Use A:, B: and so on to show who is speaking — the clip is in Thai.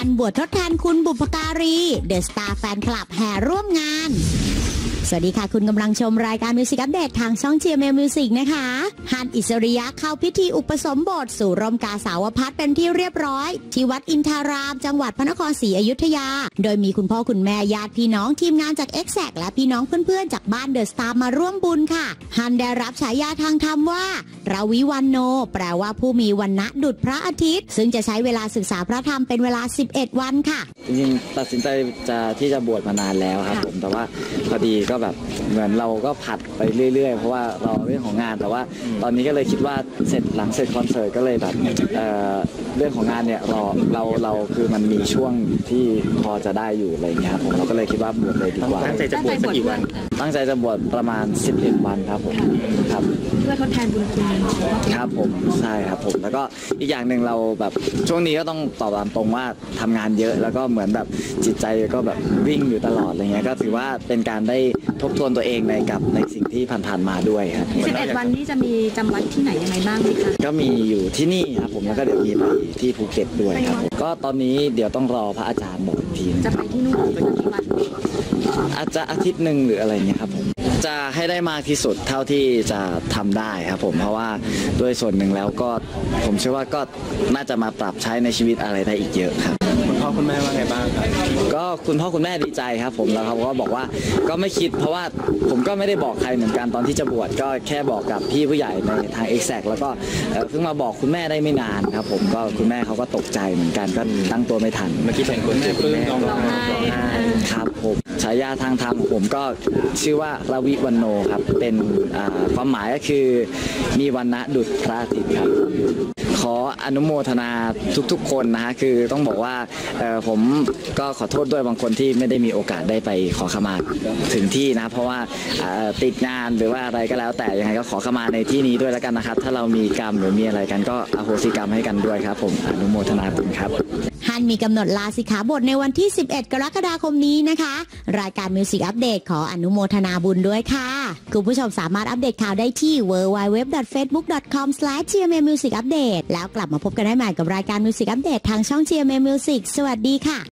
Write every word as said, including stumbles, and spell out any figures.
A: นบวชทดแทนคุณบุพการีเดอะสตาร์แฟนคลับแห่ร่วมงานสวัสดีค่ะคุณกำลังชมรายการมิวสิกอัปเดตทางช่อง จี เอ็ม เอ็ม Music นะคะฮันอิสริยะเข้าพิธีอุปสมบทสู่ร่มกาสาวพัฒน์เป็นที่เรียบร้อยที่วัดอินทารามจังหวัดพระนครศรีอยุธยาโดยมีคุณพ่อคุณแม่ญาติพี่น้องทีมงานจาก เอ็กแซค และพี่น้องเพื่อนๆจากบ้านเดอะสตาร์มาร่วมบุญค่ะฮันได้รับฉายาทางธรรมว่าราวิวันโนแปลว่าผู้มีวรรณะดุจพระอาทิตย์ซึ่งจะใช้เวลาศึกษาพระธรรมเป็นเวลาสิบเอ็ดวันค่ะ
B: จริงๆตัดสินใจจะที่จะบวชมานานแล้วครับผมแต่ว่าพอดีก็แบบเหมือนเราก็ผัดไปเรื่อยๆเพราะว่าเราเรื่องของงานแต่ว่าตอนนี้ก็เลยคิดว่าเสร็จหลังเสร็จคอนเสิร์ตก็เลยแบบเอ่อเรื่องของงานเนี่ยรอเราเราคือมันมีช่วงที่พอจะได้อยู่อะไรอย่างเงี้ยครับผมเราก็เลยคิดว่าบวชเลยดีกว่า
C: ตั้งใจจะบวชสักกี่วัน
B: ตั้งใจจะบวชประมาณสิบเอ็ดวันครับผมครับ
D: เพื่อทดแทนบุญคุณ
B: ครับผมใช่ครับผมแล้วก็อีกอย่างหนึ่งเราแบบช่วงนี้ก็ต้องตอบตามตรงว่าทำงานเยอะแล้วก็เหมือนแบบจิตใจก็แบบวิ่งอยู่ตลอดอะไรเงี้ยก็ถือว่าเป็นการได้ทบทวนตัวเองในกับในสิ่งที่ผ่านๆมาด้วยครับ
D: สิบเอ็ดวันนี้จะมีจำวัดที่ไหนยังไงบ้างไหมคะ
B: ก็มีอยู่ที่นี่ครับผมแล้วก็เดี๋ยวมีไปที่ภูเก็ตด้วยครับก็ตอนนี้เดี๋ยวต้องรอพระอาจารย์บอกที
D: จะไปที่นู่นเป็นกี่วัน
B: อาจจะอาทิตย์หนึ่งหรืออะไรเงี้ยครับผมจะให้ได้มากที่สุดเท่าที่จะทำได้ครับผมเพราะว่าด้วยส่วนหนึ่งแล้วก็ผมเชื่อว่าก็น่าจะมาปรับใช้ในชีวิตอะไรได้อีกเยอะครับ
C: คุณพ่อคุณแม่ว่าไงบ้างครับ
B: ก็คุณพ่อคุณแม่ดีใจครับผมแล้วเขาก็บอกว่าก็ไม่คิดเพราะว่าผมก็ไม่ได้บอกใครเหมือนกันตอนที่จะบวชก็แค่บอกกับพี่ผู้ใหญ่ในทาง เอ็กแซค แล้วก็เพิ่งมาบอกคุณแม่ได้ไม่นานครับผมก็คุณแม่เขาก็ตกใจเหมือนกันก็ตั้งตัวไม่ทัน
C: เมื่อกี้เห็นคุณแม่ปลื้มร้องไห้
B: ครับผมฉายาทางธรรมผมก็ชื่อว่าราวิวันโนครับเป็นความหมายก็คือมีวรรณะดุจพระอาทิตย์ครับขออนุโมทนาทุกๆคนนะฮะคือต้องบอกว่าผมก็ขอโทษด้วยบางคนที่ไม่ได้มีโอกาสได้ไปขอขมาถึงที่นะเพราะว่าติดงานหรือว่าอะไรก็แล้วแต่ยังไงก็ขอขมาในที่นี้ด้วยแล้วกันนะครับถ้าเรามีกรรมหรือมีอะไรกันก็อโหสิกรรมให้กันด้วยครับผมอนุโมทนาบุญครับ
A: ฮันมีกำหนดลาสิกขาบทในวันที่สิบเอ็ดกรกฎาคมนี้นะคะรายการมิวสิกอัปเดตขออนุโมทนาบุญด้วยค่ะคุณผู้ชมสามารถอัปเดตข่าวได้ที่ ดับเบิลยู ดับเบิลยู ดับเบิลยู ดอท เฟซบุ๊ก ดอท คอม สแลช จี เอ็ม เอ็ม มิวสิก อัปเดต แล้วกลับมาพบกันได้ใหม่กับรายการมิวสิกอัปเดตทางช่อง จี เอ็ม เอ็ม Music สวัสดีค่ะ